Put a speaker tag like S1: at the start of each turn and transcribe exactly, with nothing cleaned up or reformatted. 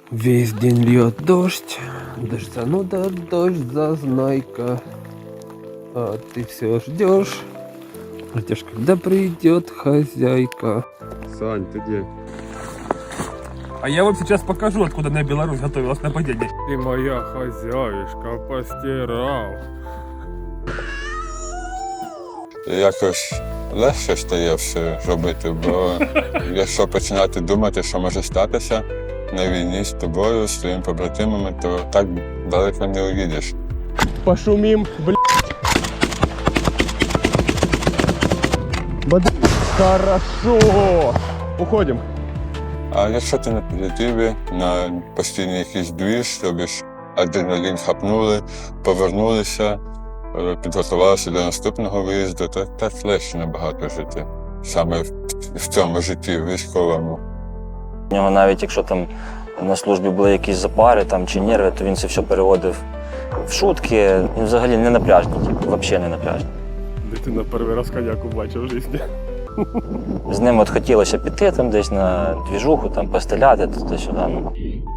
S1: Весь день льет дождь, дождь зануда, дождь зазнайка. А ты все ждешь, ждешь, когда придет хозяйка.
S2: Сань, ты где?
S3: А я вам сейчас покажу, откуда на Беларусь готовилось нападение.
S2: Ты моя хозяюшка, постирал.
S4: Якось легше стає все робити, бо якщо починати думати, що може статися на війні з тобою, з твоїми побратимами, то так далеко не уїдеш.
S2: Пошумим, блядь. Бад... Хорошо. Уходим.
S4: А якщо ти на позитиві, на постійний якийсь двіж, тобі ж адреналін хапнули, повернулися, підготувалися до наступного виїзду, то так легше набагато жити. Саме в, в цьому житті військовому.
S5: У нього навіть якщо там на службі були якісь запари там, чи нерви, то він це все переводив в шутки. Він взагалі не напряжний, взагалі не напряжний.
S2: Дитина перший раз коняку бачив в житті.
S5: З ним от хотілося піти там десь на двіжуху, там постріляти туди-сюди. Ну,